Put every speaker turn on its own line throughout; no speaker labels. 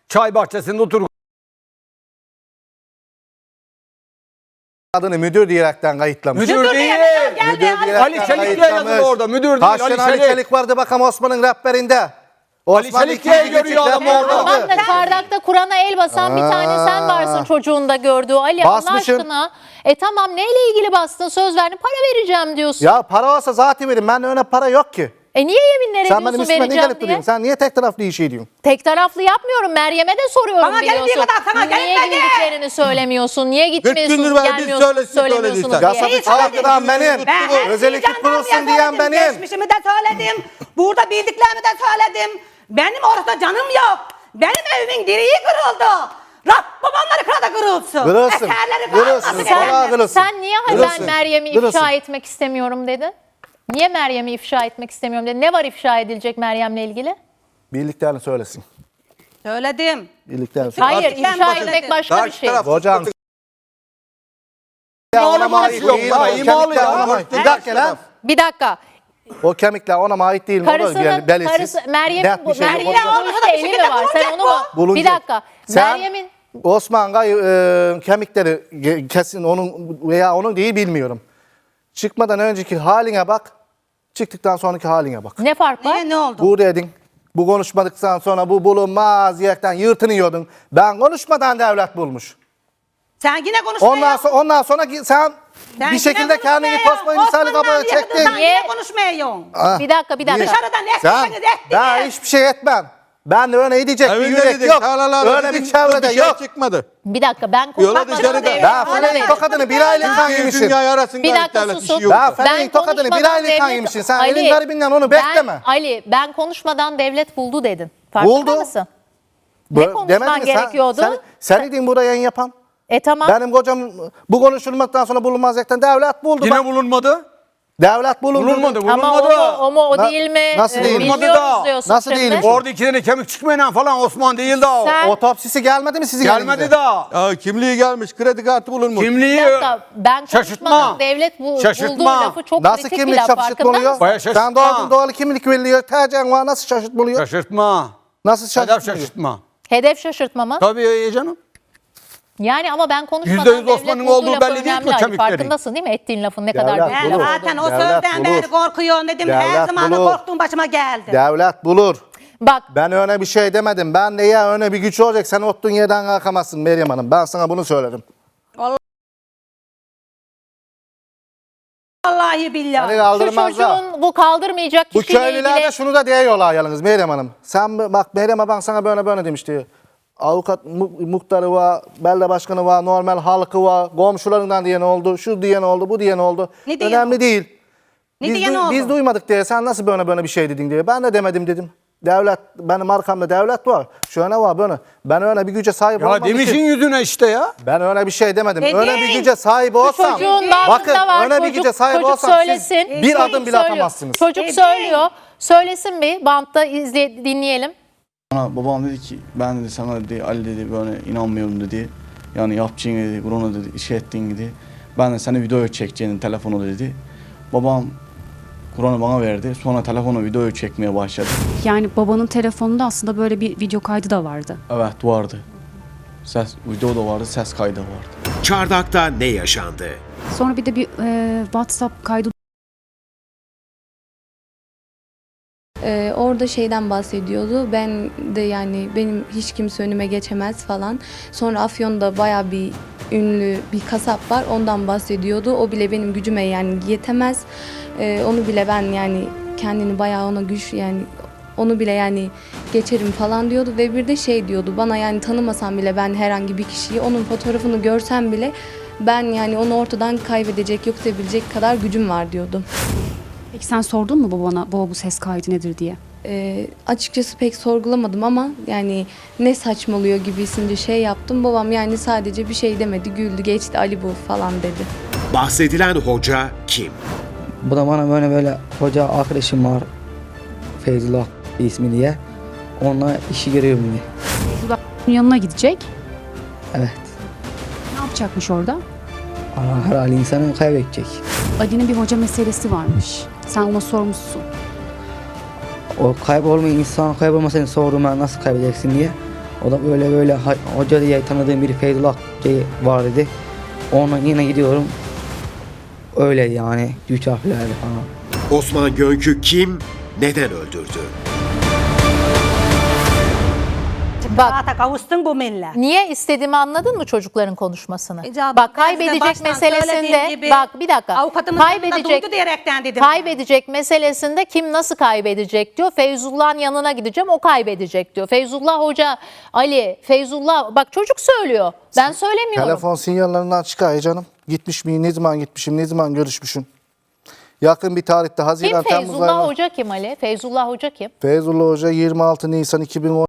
Çay bahçesinde otur.
Adını müdür diyerekten kayıtlamış.
Müdür değil.
Müdür diyerekten
Ali Çelik diye yazılı orada. Müdür değil.
Kaç
Ali
tane Ali
Çelik.
Çelik vardı bakalım Osman'ın rehberinde.
Ali Çelik diye görüyor adam orada.
Tamam da çardakta Kur'an'a el basan bir tane sen varsın çocuğun da gördüğü. Ali
Basmışım.
Allah aşkına. Tamam neyle ilgili bastın? Söz verdin, para vereceğim diyorsun.
Ya para olsa zaten verin. Ben öyle para yok ki.
Niye yeminler
Sen benim
ediyorsun
üstüme niye
vereceğim
gelip
diye?
duruyorsun? Sen niye tek taraflı iyi şey diyorsun?
Tek taraflı yapmıyorum. Meryem'e de soruyorum
Bana
biliyorsun.
geldiği kadar sana
Niye
gelmedi.
gittiklerini söylemiyorsun? Niye
gündür
gitmiyorsunuz,
ben bir
gelmiyorsunuz,
söylesin,
söylemiyorsunuz
söylediysen.
diye.
Yasadı
Neyi
çaldıran benim.
Ben her
Özel
şeyi
ekip
jandarmaya
kurulsun diyen
söyledim,
benim.
Geçmişimi de söyledim. Burada bildiklerimi de söyledim. Benim orada canım yok. Benim evimin direği kırıldı. Babamları kıra da kırılsın.
Kırılsın,
Eserleri
kırılsın.
kalmasın.
Vallahi kırılsın.
Sen niye ben
Kırılsın,
Meryem'i
kırılsın.
ifşa etmek istemiyorum dedin? Niye Meryem'i ifşa etmek istemiyorum dedin? Ne var ifşa edilecek Meryem'le ilgili?
Bildiklerini söylesin.
Söyledim.
Bildiklerini söylesin.
Hayır,
Ben
ifşa
bahsettim.
etmek başka bir
Karşı
şey.
taraf-
Hocam.
İmalı
ona ait
yok
değil.
ya,
O
imalı
kemikler
ya.
ona ait. Bir dakika lan.
Bir dakika.
O kemikler ona ait değil mi? O da
Karısının,
belirsiz.
karısı, Meryem'in
Net bir şey yok.
Meryem'in
Orada
bulunuşta
bir
eli mi
şekilde
var? Sen onu mu?
Bulunacak.
Bir dakika.
Sen
Meryem'in
Osman kemikleri kesin onun veya onun değil bilmiyorum. Çıkmadan önceki haline bak. Çıktıktan sonraki haline bak.
ne fark var?
Niye ne oldu?
Bu dedin. Bu konuşmadıktan sonra bu bulunmaz diyerekten yırtınıyordun. Ben konuşmadan devlet bulmuş.
Sen yine konuşmaya.
Ondan sonra sen
Sen
bir şekilde
yine
kendini
konuşmaya.
tosma misali
Osman'dan
kabına çektin.
yakınından
Niye?
Yine konuşmuyorsun.
Bir dakika, bir dakika.
Dışarıdan
Sen,
etmeniz ettiniz.
ben hiçbir şey etmem. Ben de öyle diyecek bir
Evinde
yürek
dedik,
yok.
tarlalarda
Öyle
dedik,
bir çevrede
şey
yok.
çıkmadı.
Bir dakika ben
Yola
konuşmadan
dışarıda.
devlet
Ben
buldu
Fener'in
dedim.
tokadını bir aylık kan yemişim.
Dünya arasında
Bir dakika
devlet
susun.
işi yok.
Ben Fener'in tokadını bir
konuşmadan
aylık kan
devlet-
yemişsin. Sen
Ali,
elin garibinden onu bekleme.
Ben konuşmadan devlet buldu dedin. Farkında
Buldu.
mısın? Ne konuşman
Demedin mi?
gerekiyordu?
Sen idin buraya yayın yapan.
Tamam.
Benim kocam bu konuşulmaktan sonra bulunmaz zaten devlet buldu.
Yine
Bak,
bulunmadı.
devlet bulundu.
Bulunmadı.
Ama o mu o değil mi?
Nasıl değil?
Bulunmadı
Bilmiyoruz
da.
diyorsun
Nasıl
şimdi.
değilmiş?
Orada iki tane kemik çıkmayan falan Osman değil daha o.
Sen-
Otopsisi gelmedi mi sizin
Gelmedi
elinize?
daha.
Ya kimliği gelmiş, kredi kartı bulunmuş.
Kimliği
Bir dakika, ben
şaşırtma.
konuşmadan devlet bulduğu
Şaşırtma.
lafı çok
Nasıl
kritik bir
kimlik
laf, farkında
şaşırtmalıyor?
mısın?
Bayağı şaşırtma.
Sen doğal doğal kimlik veriliyor. Tercihen var nasıl şaşırtmalıyor?
şaşırtma.
Nasıl
Hedef
şaşırtmalıyor?
şaşırtma.
Hedef şaşırtma mı?
Tabii ya canım.
Yani ama ben konuşmadan
%100
devlet
Osman'ın
bulduğu
olduğu
lafı
belli değil ki
önemli
o
Ali.
kemiklerin.
Farkındasın değil mi ettiğin lafın ne
Devlet
kadar
Ben
büyük
bulur.
laf
zaten o
Devlet
sözden
bulur.
beri korkuyorum dedim.
Devlet
Her zaman
bulur.
korktuğum başıma geldi.
Devlet bulur.
Bak
Ben öyle bir şey demedim. Ben de ya öyle bir güç olacak. Sen oturduğun yerden kalkamazsın Meryem Hanım. Ben sana bunu söyledim.
Vallahi billahi.
Seni
şu
kaldırmazlar.
çocuğun bu kaldırmayacak
Bu
kişiyle
köylüler de
ilgili
şunu da diyorlar yalnız Meryem Hanım. Sen bak Meryem ben sana böyle demişti. Avukat muhtarı var, belde başkanı var, normal halkı var, komşularından diyen oldu, şu diyen oldu, bu diyen oldu.
Ne diyen
Önemli
oldu?
değil.
Ne diyen oldu?
Biz duymadık diye sen nasıl böyle bir şey dedin diye. Ben de demedim dedim. Devlet, benim arkamda devlet var. Şöyle var böyle. Ben öyle bir güce sahip
Ya
olmam
demişin
için.
yüzüne işte ya.
Ben öyle bir şey demedim.
Dedin.
Öyle bir güce sahip olsam.
çocuğun
bakın
bağrında var.
öyle bir güce sahip
çocuk
olsam
söylesin.
siz bir adım bile
Söylüyor.
atamazsınız.
Çocuk
Dedin.
söylüyor. Söylesin bir bantta dinleyelim.
Bana babam dedi ki ben dedi sana dedi Ali dedi böyle inanmıyorum dedi. Yani yapacağın dedi Kur'an'a dedi iş ettiğin dedi. Ben de seni video çekeceğini telefonu dedi. Babam Kur'an'ı bana verdi. Sonra telefonu videoyu çekmeye başladı.
Yani babanın telefonunda aslında böyle bir video kaydı da vardı.
Evet vardı. Video da vardı, ses kaydı da vardı.
Çardak'ta ne yaşandı?
Sonra bir de bir WhatsApp kaydı
Orada şeyden bahsediyordu. Ben de yani benim hiç kimse önüme geçemez falan. Sonra Afyon'da bayağı bir ünlü bir kasap var. Ondan bahsediyordu. O bile benim gücüme yani yetemez. Onu bile ben yani kendini bayağı ona güç yani onu bile yani geçerim falan diyordu ve bir de şey diyordu bana yani tanımasam bile ben herhangi bir kişiyi onun fotoğrafını görsem bile ben yani onu ortadan kaybedecek yok edebilecek kadar gücüm var diyordu.
Peki sen sordun mu babana baba bu ses kaydı nedir diye?
Açıkçası pek sorgulamadım ama yani ne saçmalıyor gibisince şey yaptım. Babam yani sadece bir şey demedi, güldü, geçti, Ali bu falan dedi.
Bahsedilen hoca kim?
Bu da bana böyle hoca arkadaşım var. Feyzullah ismi diye. Onunla işi görüyorum diye.
Feyzullah'ın yanına gidecek.
Evet.
Ne yapacakmış orada?
Ama her hali insanı kaybedecek.
Ali'nin bir hoca meselesi varmış. Sen ona sormuşsun.
O kaybolmayan insan kaybolmasını sordum ben nasıl kaybedeceksin diye. O da böyle hoca diye tanıdığım biri Feyzullah diye var dedi. Onunla yine gidiyorum. Öyle yani 3 harflerdi falan.
Osman Gönk'ü kim, neden öldürdü?
Bak.
Rahata kavuştun bu millet.
Niye istediğimi anladın mı çocukların konuşmasını?
İcabı,
Bak
ben size
kaybedecek
baştan söylediğim
meselesinde
gibi
bak bir dakika.
avukatımın yanında duydu diyerekten dedim.
Kaybedecek meselesinde kim nasıl kaybedecek diyor. Feyzullah'ın yanına gideceğim o kaybedecek diyor. Feyzullah Hoca, Ali, Feyzullah bak çocuk söylüyor. Ben söylemiyorum.
Telefon sinyallerinden çıkar canım. Gitmiş miyim, ne zaman gitmişim, ne zaman görüşmüşüm. Yakın bir tarihte
Kim
Haziran, Temmuz
Feyzullah
ayında.
Hoca kim Ali? Feyzullah Hoca kim?
Feyzullah Hoca 26 Nisan 2010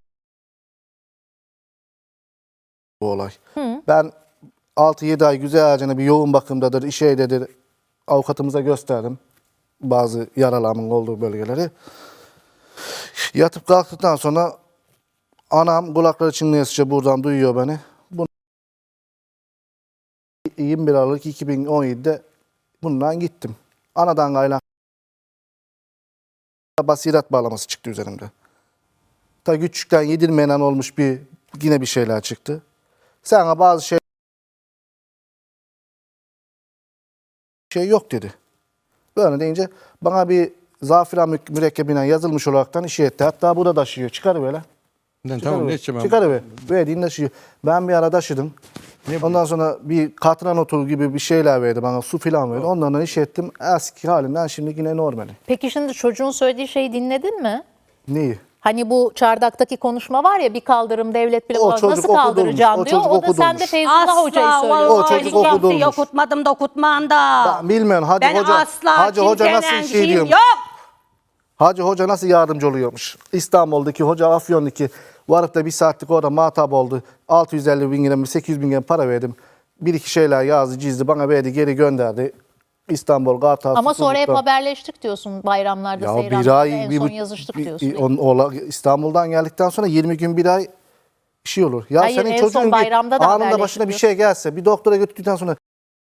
bu olay. Ben 6-7 ay güzelce bir yoğun bakımdadır, işeydedir. Avukatımıza gösterdim bazı yaralarımın olduğu bölgeleri. Yatıp kalktıktan sonra anam kulakları çınlayasıca buradan duyuyor beni. 21 Aralık 2017'de bundan gittim. Anadan kaynak basiret bağlaması çıktı üzerimde. Ta küçükten yedirmeyen olmuş yine bir şeyler çıktı. Sana bazı şey yok dedi. Böyle deyince bana bir zafiran mürekkebinden yazılmış olaraktan işe etti. Hatta bu da taşıyor. Çıkar böyle.
Tamam ne içeceğim ben?
Çıkar be. Verdiğin taşıyor. Ben bir ara taşıdım. Ondan sonra bir katran otu gibi bir şeyler verdi bana. Su filan verdi. Onlardan iş ettim. Eski halinden şimdi yine normali.
Peki şimdi çocuğun söylediği şeyi dinledin mi?
Neyi?
Hani bu çardaktaki konuşma var ya bir kaldırım devlet bile
O
olmaz.
çocuk
Nasıl
okudurmuş,
kaldıracaksın
o
diyor.
çocuk
O da sen de
okudurmuş.
Feyzullah Hoca'yı söylüyor.
O çocuk okudurmuş.
Okutmadım da okutmam da.
Ben bilmiyorum.
Ben asla
Hacı Hoca nasıl
kimsenin
şey
şeyim
diyormuş.
yok.
Hacı Hoca nasıl yardımcı oluyormuş. İstanbul'daki hoca Afyon'daki varıp da bir saatlik orada muhatap oldu. 650 bin lira mı 800 bin lira para verdim. Bir iki şeyler yazdı çizdi bana verdi geri gönderdi. İstanbul, Kartal.
Ama sonra hep
Susurluk'ta.
haberleştik diyorsun bayramlarda,
Ya bir
seyranlarda
ay,
en son yazıştık diyorsun.
İstanbul'dan geldikten sonra 20 gün bir ay bir şey olur. Ya
Hayır,
senin
en son
çocuğun
bayramda da
anında
haberleştik
başına bir
diyorsun.
şey gelse bir doktora götürdükten sonra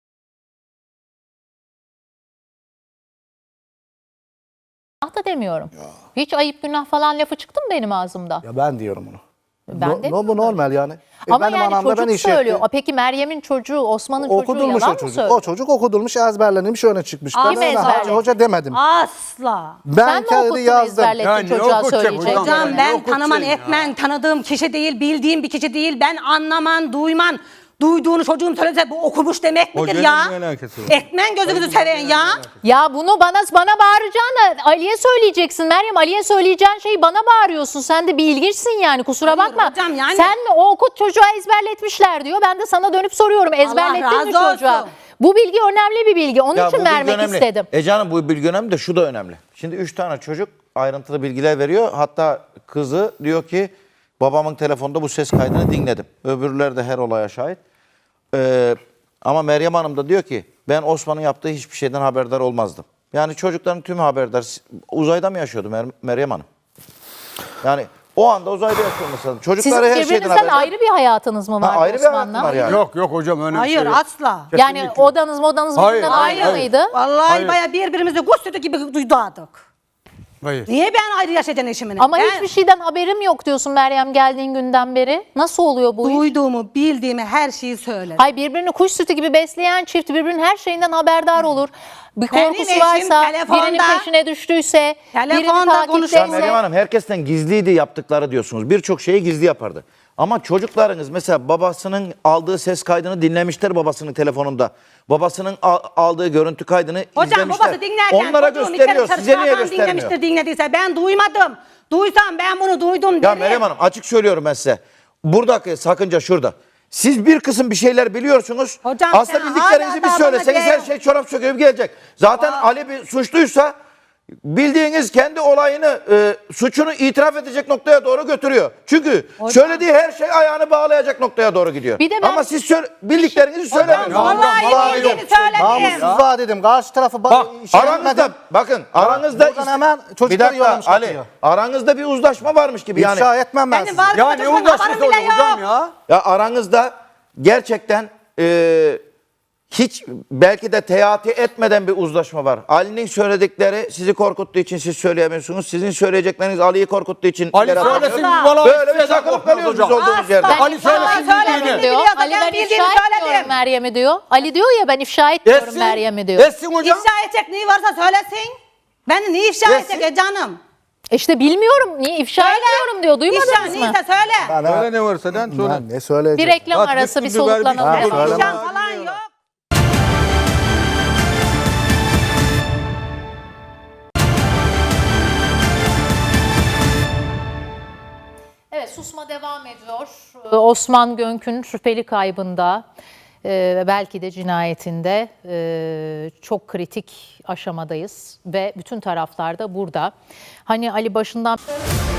Günah da demiyorum. Hiç ayıp günah falan lafı çıktı mı benim ağzımda?
ya ben diyorum bunu.
Ben de
Bu normal yani.
Ama
benim
yani
anam da
çocuk
beni işe etti.
söylüyor. Peki Meryem'in çocuğu, Osman'ın çocuğu
Okudulmuş
yalan
o
mı
çocuk.
söylüyor?
O çocuk okudulmuş, ezberlenmiş, öne çıkmış. Ben
Kim
öyle Hacı
ezberledi?
Hoca demedim.
Asla.
Ben
Sen mi
kendi
okuttun
yazdım.
ezberlettin
Yani
çocuğa
okutacak
söyleyecek?
hocam.
Hocam
Ne
ben
okutacaksın
tanıman
ya?
etmen tanıdığım kişi değil, bildiğim bir kişi değil. Ben anlaman, duyman, duyduğunu çocuğum söylese bu okumuş demek midir
Hocanın
ya?
ne alakası var?
Etmen gözünüzü seven ya.
Ya bunu bana bağıracağına Ali'ye söyleyeceksin. Meryem Ali'ye söyleyeceğin şeyi bana bağırıyorsun. Sen de bir ilginçsin yani kusura
Hayır
bakma.
hocam, yani-
Sen mi o okut çocuğa ezberletmişler diyor. Ben de sana dönüp soruyorum. Ezberlettin mi
razı
çocuğa?
olsun.
Bu bilgi önemli bir bilgi. Onun için
bu bilgi
vermek
önemli.
istedim.
Canım bu bilgi önemli de şu da önemli. Şimdi 3 tane çocuk ayrıntılı bilgiler veriyor. Hatta kızı diyor ki babamın telefonda bu ses kaydını dinledim. Öbürleri de her olaya şahit. Ama Meryem Hanım da diyor ki ben Osman'ın yaptığı hiçbir şeyden haberdar olmazdım. Yani çocukların tümü haberdar. Uzayda mı yaşıyordu Meryem Hanım? Yani o anda uzayda yaşıyor mesela. Çocukları
Sizin
her şeyden
birbirinizden
haberdar.
ayrı bir hayatınız mı var
Ayrı bir hayatım
Osman'la?
var yani.
Yok hocam öyle bir
Hayır
şey yok.
asla.
Yani
Kesinlikle.
odanız
Hayır,
birbirinden
hayır,
ayrı
hayır.
mıydı?
Vallahi
Hayır.
baya birbirimizi kuş sütü gibi duydardık.
Hayır.
Niye ben ayrı yaşayacaksın eşimini?
Ama
Ben
hiçbir şeyden haberim yok diyorsun Meryem geldiğin günden beri. Nasıl oluyor bu iş?
duyduğumu, bildiğimi her şeyi söyledim.
Hay birbirini kuş sütü gibi besleyen çift birbirinin her şeyinden haberdar olur. Bir
Benim
korkusu
eşim
varsa,
telefonda-
birinin peşine düştüyse, birini
Telefonda
Ya
konuşuyor.
Meryem
takipteyse.
Hanım herkesten gizliydi yaptıkları diyorsunuz. Birçok şeyi gizli yapardı. Ama çocuklarınız mesela babasının aldığı ses kaydını dinlemişler babasının telefonunda. Babasının aldığı görüntü kaydını
Hocam
izlemişler.
babası dinlerken
Onlara
çocuğum
gösteriyor.
içeri
Size niye
sırtlardan
göstermiyor?
dinlemiştir dinlediyse ben duymadım. Duysam ben bunu duydum
Ya
derim.
Meryem Hanım açık söylüyorum ben size. Buradaki sakınca şurada. Siz bir kısım bir şeyler biliyorsunuz.
Hocam
Aslında
sen
bildiklerinizi
hala
bir
daha
söyleseniz
bana
her şey çorap söküp gelecek. Zaten Ali bir suçluysa bildiğiniz kendi olayını, suçunu itiraf edecek noktaya doğru götürüyor. Çünkü söylediği her şey ayağını bağlayacak noktaya doğru gidiyor.
Bir de ben-
Ama siz bildiklerinizi söylemiyorsunuz.
Vallahi bildiğini söyledim.
Namussuz var dedim. Karşı tarafı
Bak,
Aranızda bakın aranızda
Buradan hemen çocukları
bir dakika
yollamış
Ali
kapıya.
aranızda bir uzlaşma varmış gibi yani.
İfşa etmem ben
Benim
sizi.
var
Ya ne
çocuğumun
uğraşması
haberim bile
hocam
yok.
ya?
Ya aranızda gerçekten hiç belki de teati etmeden bir uzlaşma var. Ali'nin söyledikleri sizi korkuttuğu için siz söyleyemiyorsunuz. Sizin söyleyecekleriniz Ali'yi korkuttuğu için
Ali
ileri
söylesin
atıyorsunuz.
vallahi
Böyle bir
size
takılıp
korkmaz
kalıyoruz
hocam.
biz olduğumuz yerde.
Asla.
Ali söylesin
Söyledim.
bildiğini.
diyor.
Biliyorsa
Ali ben
ben bildiğimi
ifşa etmiyorum
söyledim.
Meryem'i diyor. Ali diyor ya ben ifşa etmiyorum
Etsin.
Meryem'i diyor.
Etsin hocam.
İfşa edecek neyi varsa söylesin. Beni niye ifşa
Yesin.
edecek canım?
İşte bilmiyorum niye ifşa
Söyle.
etmiyorum diyor. Duymadınız
İfşa
mı?
neyse söyle.
Söyle ne varsa den söyle.
Ben ne söyleyeceğim?
Bir reklam
Bak,
arası bir
bisküvi ver,
soluklanalım.
bisküvi ver.
efendim.
İfşa falan yok.
Evet susma devam ediyor. Osman Gönk'ün şüpheli kaybında ve belki de cinayetinde çok kritik aşamadayız ve bütün taraflar da burada. Hani Ali başından